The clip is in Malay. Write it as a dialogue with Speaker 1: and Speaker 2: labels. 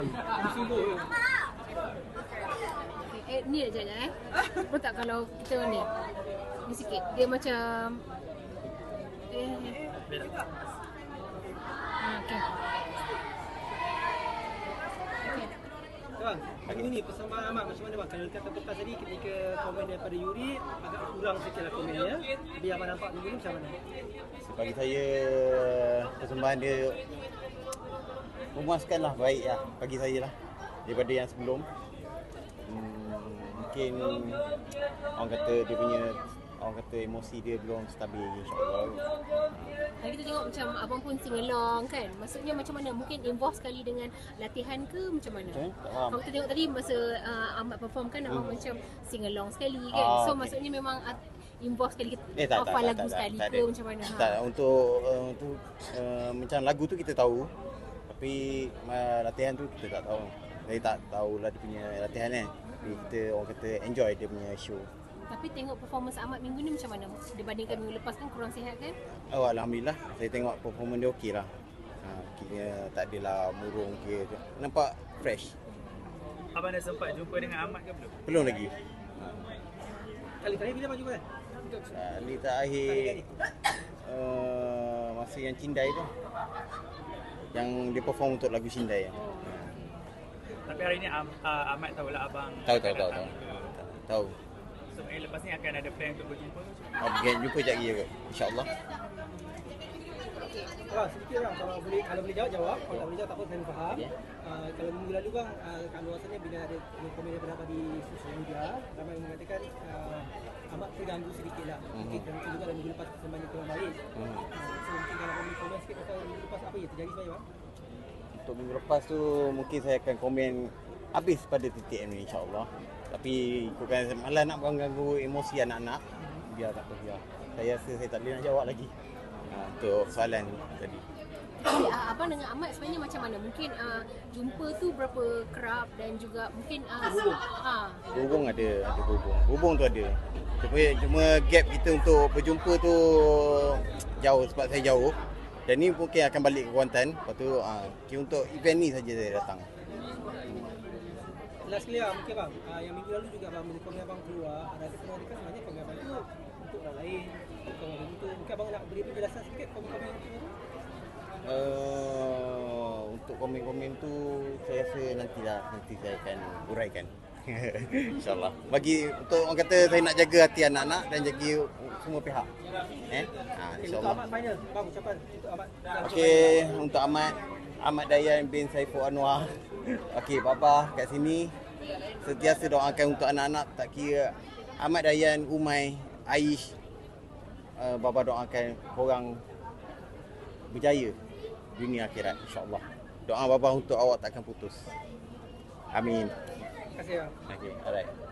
Speaker 1: Ni aja Betul tak kalau kita ni? Ni sikit. Dia macam okey.
Speaker 2: Bang, hari ini persembahan Ahmad macam mana bang? Kalau kata bekas tadi ketika komen daripada Yuri agak kurang sikit lah komennya. Tapi Ahmad nampak minggu ni macam mana?
Speaker 3: Bagi saya persembahan dia memuaskanlah, baik lah bagi saya lah daripada yang sebelum. Mungkin orang kata emosi dia belum stabil, insyaAllah.
Speaker 1: Hari kita tengok macam abang pun sing along kan. Maksudnya macam mana? Mungkin involve sekali dengan latihan ke macam mana? Kalau kita tengok tadi masa Ahmad perform kan, abang macam sing along sekali kan. So maksudnya memang involve sekali hafal lagu sekali ke macam mana?
Speaker 3: Tak, untuk macam lagu tu kita tahu. Tapi latihan tu kita tak tahu. Saya tak tahulah dia punya latihan kan. Jadi kita orang kata enjoy dia punya show.
Speaker 1: Tapi tengok performance Ahmad minggu ni macam mana? Dibandingkan minggu lepas kan kurang sihat kan?
Speaker 3: Oh, Alhamdulillah. Saya tengok performance dia okey lah. Kira tak adalah murung ke. Nampak fresh.
Speaker 4: Abang dah sempat jumpa dengan Ahmad ke belum?
Speaker 3: Belum lagi.
Speaker 2: Kali terakhir bila abang jumpa kan?
Speaker 3: Kali terakhir masa yang Cindai tu. Yang dia perform untuk lagu Cindai.
Speaker 4: Tapi hari ni Ahmad tahulah abang.
Speaker 3: Tahu.
Speaker 4: So lepas ni akan ada plan untuk berjumpa ke?
Speaker 3: Jumpa sekejap lagi kot, insyaAllah.
Speaker 2: Bang, sedikit bang, kalau boleh jawab. Kalau tak boleh jawab tak apa, saya faham. Kalau minggu lalu bang, kat luasannya bila ada komen daripada abang di sosial media, ramai yang mengatakan Ahmad terganggu sedikit lah. Mungkin juga dalam minggu lepas persembahan kurang baik. So mungkin kalau boleh komen sikit pasal minggu lepas apa yang terjadi sebenarnya bang?
Speaker 3: Untuk minggu lepas tu mungkin saya akan komen habis pada titik ini, insyaAllah. Tapi ikutkan malah nak mengganggu emosi anak-anak, biar tak apa, biar. Saya rasa saya tak boleh nak jawab lagi untuk soalan tadi.
Speaker 1: Jadi abang dengan Ahmad sebenarnya macam mana? Mungkin jumpa tu berapa kerap dan juga mungkin
Speaker 3: Hubung ada hubung. Hubung tu ada. Cuma gap kita untuk berjumpa tu jauh sebab saya jauh. Dan ni mungkin akan balik ke Kuantan. Lepas tu untuk event ni saja saya datang.
Speaker 2: Last clear mungkin bang, yang minggu lalu juga bang, bila komen abang keluar, ada sebenarnya kan sebenarnya komen abang tu untuk orang lain, untuk orang itu. Mungkin abang nak beri penjelasan sikit komen-komen itu?
Speaker 3: Untuk komen-komen tu saya rasa nanti saya akan uraikan. InsyaAllah. Bagi untuk orang kata saya nak jaga hati anak-anak dan jaga semua pihak. InsyaAllah.
Speaker 2: Untuk Ahmad final, bang ucapan untuk Ahmad.
Speaker 3: Okey, untuk Ahmad Dayan bin Saiful Anwar. Okey, Bapa kat sini sentiasa doakan untuk anak-anak, tak kira Ahmad Dayan, Umai, Aish. Bapa doakan korang berjaya dunia akhirat, insya-Allah. Doa Bapa untuk awak takkan putus. Amin.
Speaker 2: Terima kasih bang.
Speaker 3: Okey, alright.